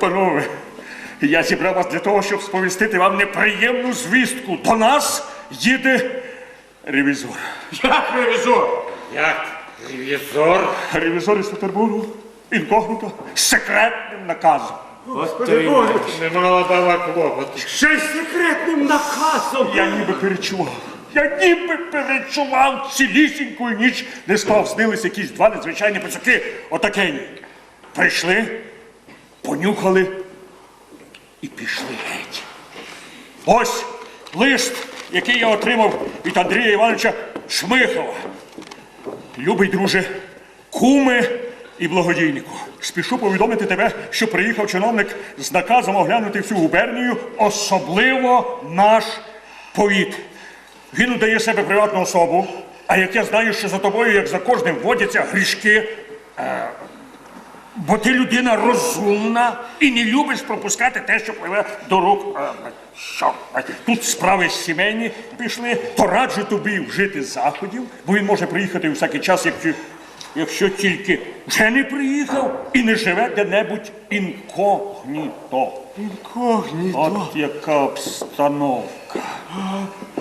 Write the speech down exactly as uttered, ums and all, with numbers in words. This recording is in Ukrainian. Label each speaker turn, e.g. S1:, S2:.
S1: Панове, я зібрав вас для того, щоб сповістити вам неприємну звістку. До нас їде ревізор.
S2: Як ревізор? Як ревізор?
S1: Ревізор із Петербургу, інкогніто, з секретним наказом.
S2: Господи Боже, немало дала клопоту. Ще й секретним наказом.
S1: Я ніби перечував. Я ніби перечував цілісіньку ніч. Не спав, снились якісь два незвичайні пацюки. Отакені. Прийшли, понюхали і пішли геть. Ось лист, який я отримав від Андрія Івановича Шмихова. Любий друже, куме і благодійнику, спішу повідомити тебе, що приїхав чиновник з наказом оглянути всю губернію, особливо наш повіт. Він удає себе приватну особу, а як я знаю, що за тобою, як за кожним, водяться грішки, е, бо ти людина розумна і не любиш пропускати те, що пливе до рук. Е, що? Тут справи сімейні пішли, то раджу тобі вжити заходів, бо він може приїхати у всякий час, якщо, якщо тільки вже не приїхав і не живе де-небудь інкогніто.
S2: Інкогніто.
S1: От яка обстановка.